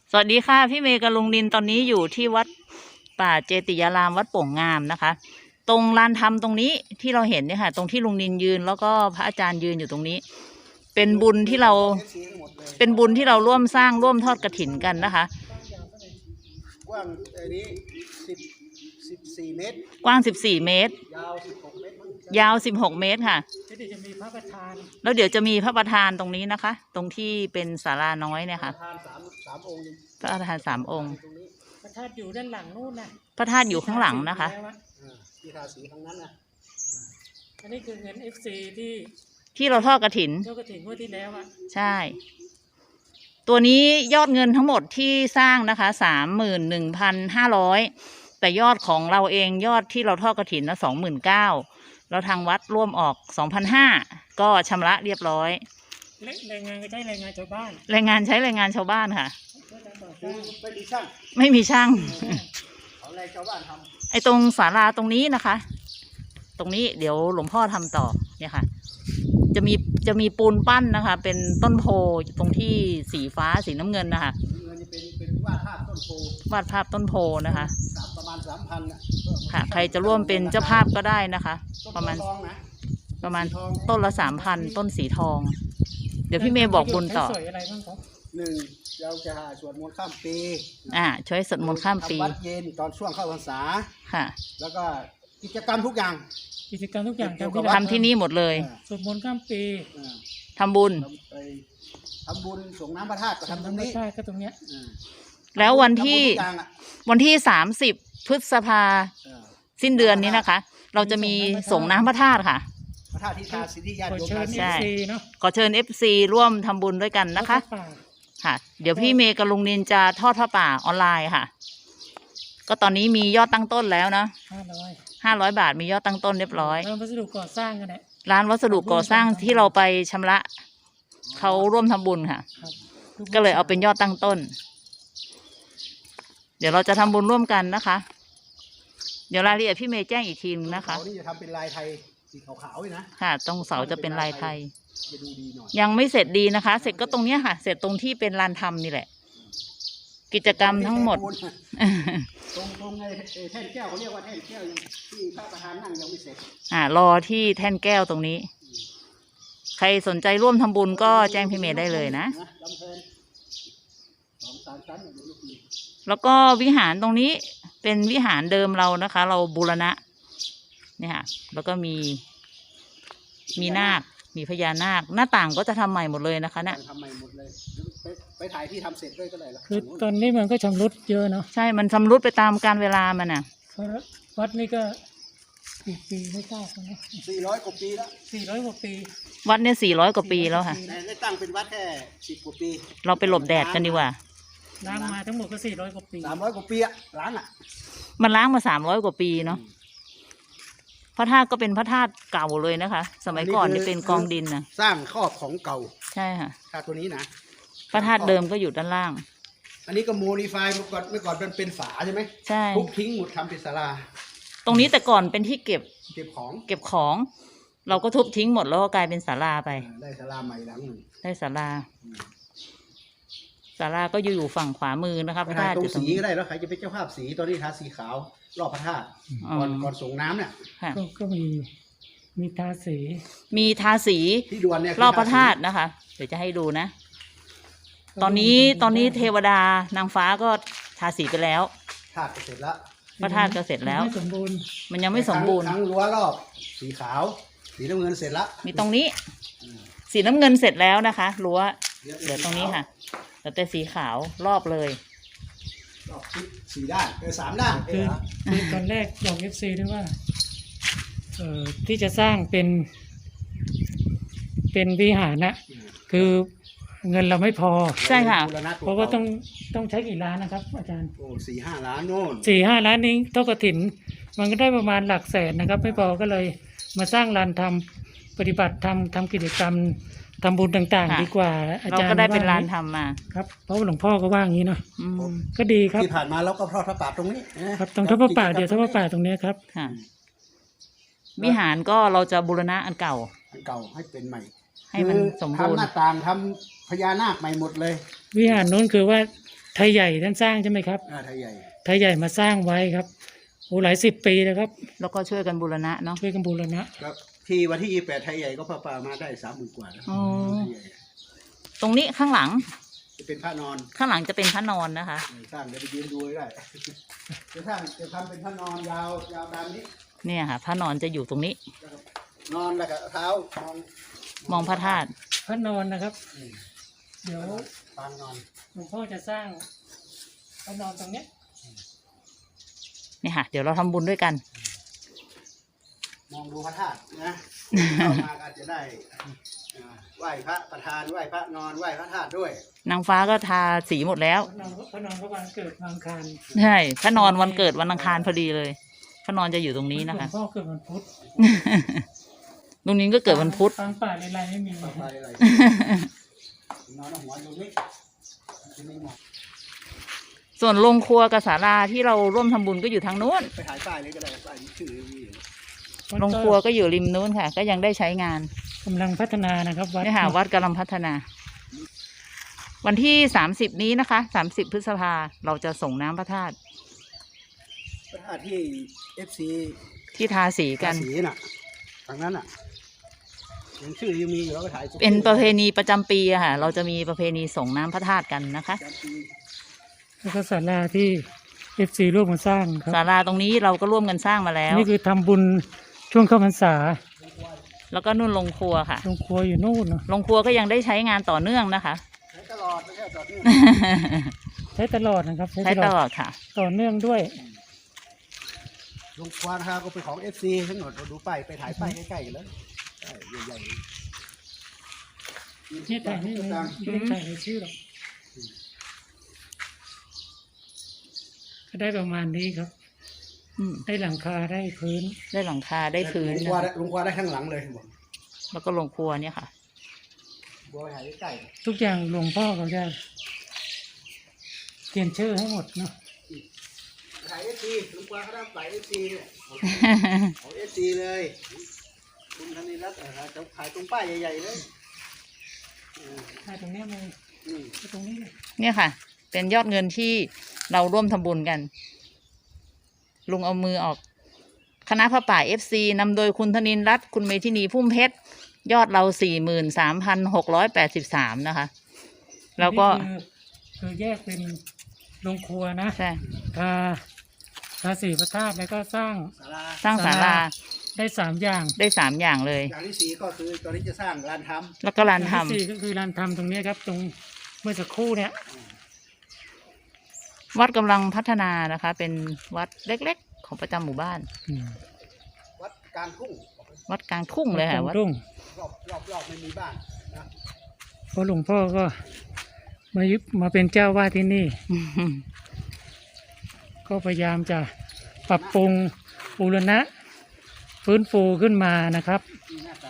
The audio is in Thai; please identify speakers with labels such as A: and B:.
A: สวัสดีค่ะพี่เมย์กับลุงนินตอนนี้อยู่ที่วัดป่าเจติยารามวัดโป่งงามนะคะ ตรงลานธรรมตรงนี้ที่เราเห็นเนี่ยค่ะตรงที่ลุงนินยืนแล้วก็พระอาจารย์ยืนอยู่ตรงนี้ เป็นบุญที่เราร่วมสร้างร่วมทอดกฐินกันนะคะ
B: กว้างนี้14 เมตร
A: กว้าง14 เมตรยาว16 เมตรค่ะ
C: เดี๋ยวจะมีพระประธาน
A: แล้วเดี๋ยวจะมีพระประธานตรงนี้นะคะตรงที่เป็นศาลาน้อยเนี่ยค่ะพระประธาน3 องค์
C: พระธาตุอยู่ด้านหลังนู่นนะ
A: พระธาตุอยู่ข้างหลังนะคะ
B: ที่ทาสีข้างนั้นนะ
C: อันนี้คือเงิน FC
A: ที่เราทอดกฐิน
C: ทอดกฐินงวดที่แล้วอ่ะ
A: ใช่ตัวนี้ยอดเงินทั้งหมดที่สร้างนะคะ31,500แต่ยอดของเราเองยอดที่เราทอดกฐินนะ29,000แล้วทางวัดร่วมออก2,500ก็ชำระเรียบร้อย
C: แรงงานก็ใช้แรงงานชาวบ้าน
A: แรงงานใช้แรงงานชาวบ้านค่ะ
B: ไม่มีช่าง
A: เอาแรงชาวบ้านทำไอ้ตรงศาลาตรงนี้นะคะ ตรงนี้เดี๋ยวหลวงพ่อทำต่อเนี่ยค่ะจะมีปูนปั้นนะคะ เป็นต้นโพตรงที่สีฟ้าสีน้ำเงินนะคะ
B: เป็นวาดภาพต้นโพ
A: นะคะ
B: ประมาณ 3,000
A: ค่ะใครจะร่วมเป็นเจ้าภาพก็ได้นะคะประมาณต้นละ 3,000ต้นสีทองเดี๋ยวพี่เมย์บอกบุญต่อ
B: 1เราจะสวดมนต์ข้ามปี
A: ช่วยสวดมนต์ข้ามปี
B: วัดเย็นตอนช่วงเข้าพรรษา
A: ค่ะ
B: แล้วก็กิจกรรมทุกอย่าง
A: ทำที่นี่หมดเลย
C: สวดมนต์ข้ามปี
A: ทำบุญ
B: ส่งน้ำพระธาตุก็ทำตรงนี้
C: ก็ตรงเนี้ย
A: แล้ววันที่30 พฤษภาสิ้นเดือนนี้นะคะเราจะมีส่งน้ำพระธาตุค่ะ
B: พระธาตุที่ทาสิทธิญาติโยม
A: ใช่ขอเชิญ FC ร่วมทำบุญด้วยกันนะคะค่ะเดี๋ยวพี่เมย์กับลุงนินจะทอดผ้าป่าออนไลน์ค่ะก็ตอนนี้มียอดตั้งต้นแล้วนะ500 บาทมียอดตั้งต้นเรียบร้อย
C: ร้านวัสดุก่อสร้างกันแหละ
A: ร้านวัสดุก่อสร้างที่เราไปชำระเขาร่วมทำบุญค่ะก็เลยเอาเป็นยอดตั้งต้นเดี๋ยวเราจะทำบุญร่วมกันนะคะเดี๋ยวรายละเอียดพี่เมย์แจ้งอีกทีนึงนะคะ
B: นี่จะทำเป็นลายไทยสีขาวๆเลยนะ
A: ค่ะตรงเสาจะเป็นลายไทยยังไม่เสร็จดีนะคะเสร็จก็ตรงเนี้ยค่ะเสร็จตรงที่เป็นลานธรรมนี่แหละกิจกรรมทั้งหมด
B: ตรงไอ้แท่นแก้วเขาเรียกว่าแท่นแก้วที่พระประธานนั่งยังไม่เสร็จ
A: รอที่แท่นแก้วตรงนี้ใครสนใจร่วมทำบุญก็แจ้งพี่เมย์ได้เลยนะแล้วก็วิหารตรงนี้เป็นวิหารเดิมเรานะคะ เราบูรณะเนี่ยค่ะแล้วก็มีนาคมีพญานาคหน้าต่างก็จะทำใหม่หมดเลยนะคะเนี่ย
B: ทำใหม่หมดเลยไปถ่ายที่ทำเสร็จด้วยก็ได้ละ
C: คือตอนนี้มันก็ชำรุดเยอะเนาะ
A: ใช่มันชำรุดไปตามกาลเวลามันน่ะ
C: วัดนี้ก็กี่ปีไม่ทราบนะ
B: 400 กว่าปีแล้ว
C: 400 กว่าปี
A: วัดเนี่ย400 กว่าปีแล้วค่ะ
B: ได้ตั้งเป็นวัดแค่10 กว่าปี
A: เราไปหลบแดดกันดีกว่า
C: ล้างมาทั้งหมดก็400 กว่าปี
B: 300 กว่าปีอะล้าง
A: มันล้างมา300 กว่าปีเนาะพระธาตุก็เป็นพระธาตุเก่าเลยนะคะสมัยก่อนจะเป็นกองดินนะ
B: สร้างครอบของเก่า
A: ใช่ค่ะ
B: ธาตุตัวนี้นะ
A: พระธาตุเดิมก็อยู่ด้านล่าง
B: อันนี้ก็โมดิฟายเมื่อก่อนมันเป็นฝาใช่ไหม
A: ใช่
B: ทุบทิ้งหมดทำเป็นศาลา
A: ตรงนี้แต่ก่อนเป็นที่เก็บ
B: ของ
A: เราก็ทุบทิ้งหมดแล้วก็กลายเป็นศาลาไป
B: ได้ศาลาใหม่หลังหนึ่ง
A: ได้ศาลาก็อยู่ฝั่งขวามือนะคะพระธาตุ
B: ตรงสีก็ได้แล้วใครจะเป็นเจ้าภาพสีตอนนี้ทาสีขาวรอบพระธาตุก่อนส่งน้ำเนี่ย
C: ก็มีทา
A: สีรอบพระธาตุนะคะเดี๋ยวจะให้ดูนะตอนนี้เทวดานางฟ้าก็ทาสีไปแล้ว
B: ธาตุเสร็จแล้ว
A: พระธาตุก็เสร็จแล้วมันยังไม่สมบูรณ์
B: ทั้งรั้วรอบสีขาวสีน้ำเงินเสร็จแล้ว
A: มีตรงนี้สีน้ำเงินเสร็จแล้วนะคะรั้วเดี๋ยวตรงนี้ค่ะแต่สีขาวรอบเลย
B: รอบ4 ด้าน3 ด้าน
C: คือตอนแรกบอก FC ด้วยว่าที่จะสร้างเป็นวิหารนะคือเงินเราไม่พอ
A: ใช่ค่ะ
C: เพราะว่าต้องใช้กี่ล้านนะครับอาจารย์
B: 4-5 ล้านโน่น
C: 4-5 ล้านนี้ทอดกฐินมันก็ได้ประมาณหลักแสนนะครับไม่พอก็เลยมาสร้างลานทำปฏิบัติทำกิจกรรมทำบุญต่างๆดีกว่าอาจารย์
A: เราก็ได้เป็นลานทำมา
C: ครับเพราะหลวงพ่อก็ว่าอย่างนี้เนาะก็ดีครับ
B: ที่ผ่านมาเราก็ทอดพระป่าตรงนี้
C: ครับตรงทอดพระป่าเดี๋ยวทอดพระป่าตรงนี้ครับ
A: วิหารก็เราจะบูรณะอันเก่า
B: ให้เป็นใหม่
A: ให้มันสมบูรณ์
B: ทำหน้าต่างทำพญานาคใหม่หมดเลย
C: วิหารนู้นคือว่าไทยใหญ่ท่านสร้างใช่ไหมครับ
B: ไทยใหญ่
C: ไทยใหญ่มาสร้างไว้ครับโอ้หลาย10 ปีแล้วครับ
A: แล้วก็ช่วยกันบูรณะเนาะ
C: ช่วยกันบูรณะ
B: ครับที่วันที่28ไทยใหญ่ก็พระป่ามาได้30,000 กว่านะ
A: อ๋อ
B: ไทยใหญ่
A: ตรงนี้ข้างหลัง
B: จะเป็นพระนอน
A: ข้างหลังจะเป็นพระนอนนะคะ
B: สร้างเดี๋ยวไปยืนดูได้ จะทำเป็นพระนอนยาวยาวตามนี้
A: เนี่ยค่ะ พระนอนจะอยู่ตรงนี้
B: นอนแล้วก็เท้ามอง
A: พระธาตุ
C: พระนอนนะครับ เดี๋ยว
B: ปางนอน
C: หลวงพ่อจะสร้างพระนอนตรงเนี้ย
A: เนี่ยค่ะ เดี๋ยวเราทำบุญด้วยกัน
B: มองดูพระธาตุนะเข้ามาก็อาจจะได้ไหว้พระประธานไหว้พระนอนไหว้พระธาตุด้วย
A: นางฟ้าก็ทาสีหมดแล้ว
C: พระนอนก็วันเกิดวันอังคาร
A: ใช่พระนอนวันเกิดวันอังคารพอดีเลย พระนอนจะอยู่ตรงนี้นะคะ
C: หลวงพ่อเกิดวันพุธ
A: ลุงนินก็เกิดวันพุธ
C: ปางป่าในไรไม่มี
B: ไปอะไรนอนหัวอยู่นี่จะไม่เหมาะ
A: ส่วนโรงครัวกับศาลาที่เราร่วมทำบุญก็อยู่ทางนู้น
B: ไปถ่ายป้ายเลยก็ได้ป้ายชื่อมีอยู่
A: โรงครัวก็อยู่ริมนู้นค่ะ ก็ยังได้ใช้งาน
C: กำลังพัฒนานะครับวัด
A: นี่ค่ะวัดกำลังพัฒนา วันที่30นี้นะคะ30 พฤษภาเราจะส่งน้ำพระธาตุ
B: พระธาตุที่ FC
A: ที่ทาสีกัน
B: สีน่ะทางนั้นน่ะยังชื่อยังมีอยู่แล้วก็ถ่าย
A: เป็นประเพณีประจำปีอะค่ะ เราจะมีประเพณีส่งน้ำพระธาตุกันนะคะ
B: ประจำปี
C: แล้วก็ศาลาที่ FC ร่วมกันสร้างครับ
A: ศาลาตรงนี้เราก็ร่วมกันสร้างมาแล้ว
C: นี่คือทำบุญช่วงเข้าพรรษา
A: แล้วก็นู่นโรงครัวค่ะ
C: โรงครัวอยู่นู่นเนอะ
A: โรงครัวก็ยังได้ใช้งานต่อเนื่องนะคะ
B: ใช้ตลอดไม่ใช่ต่อเนื่อง
C: ใช้ตลอดนะครับ
A: ใช้ตลอดค่ะ
C: ต่อเนื่องด้วย
B: ลงควานฮาก็เป็นของ FC ทั้งหมดเราดูป้ายไปถ่ายป้ายใกล้ๆกันแล้วใหญ่ๆ
C: นี่แต่นี่ไม่ได้ใส่ในชื่อหรอกก็ได้ประมาณนี้ครับ
A: อืม
C: ได้หลังคาได้พื้น
A: ได้หลังคาได้พื้น
B: ลง
A: นะ
B: ควาน
A: คะ
B: ลงควานได้ข้างหลังเลยบอก
A: แล้วก็โรงครัวเนี่ยค่ะ
B: บัวไปถ่ายใกล้
C: ทุกอย่างหลวงพ่อเขาจะเขียนชื่อให้หมดเนาะ
B: ๆถ่าย FC ลงควานเขาได้ถ่าย FC เนี่ยของ FC เลยคุณธนิรัตน์จะถ่ายตรงป้ายใหญ่ๆเลย
C: ถ่ายตรงเนี้ยเลยตรงนี้เลย
A: เนี่ยค่ะ เป็นยอดเงินที่เราร่วมทำบุญกัน ลุงเอามือออก คณะพระป่า FC นำโดยคุณธนินรัตน์คุณเมธินีพุ่มเพชร ยอดเรา 43,683 นะคะ แล้วก็
C: นี่คือแยกเป็นโรงครัวนะ
A: ใช่
C: ทาสีพระธาตุแล้วก็สร้าง
B: ศาลา
A: สร้างศาลา
C: ได้3 อย่าง
A: ได้3 อย่างเลย
B: อย่างที่4ก็คือตอนนี้จะสร้างลานท
A: แล้วก็ลาน
C: อย่าง
A: ทำ
C: ที่4ก็คือลานทำตรงเนี้ยครับ ตรงเมื่อสักครู่เนี่ย
A: วัดกำลังพัฒนานะคะ เป็นวัดเล็กๆ ของประจำหมู่บ้าน
B: ำวัดกลางทุ่ง
A: วัดกลางทุ่งเลยค่ะวัด
C: รุ่ง
B: รอบไม่มีบ้านนะ
C: เพราะหลวงพ่อก็มาเป็นเจ้าวาดที่นี่ ก็พยายามจะปรับปรุงบูรณะฟื้นฟูขึ้นมานะครับ
B: มีหน้าตา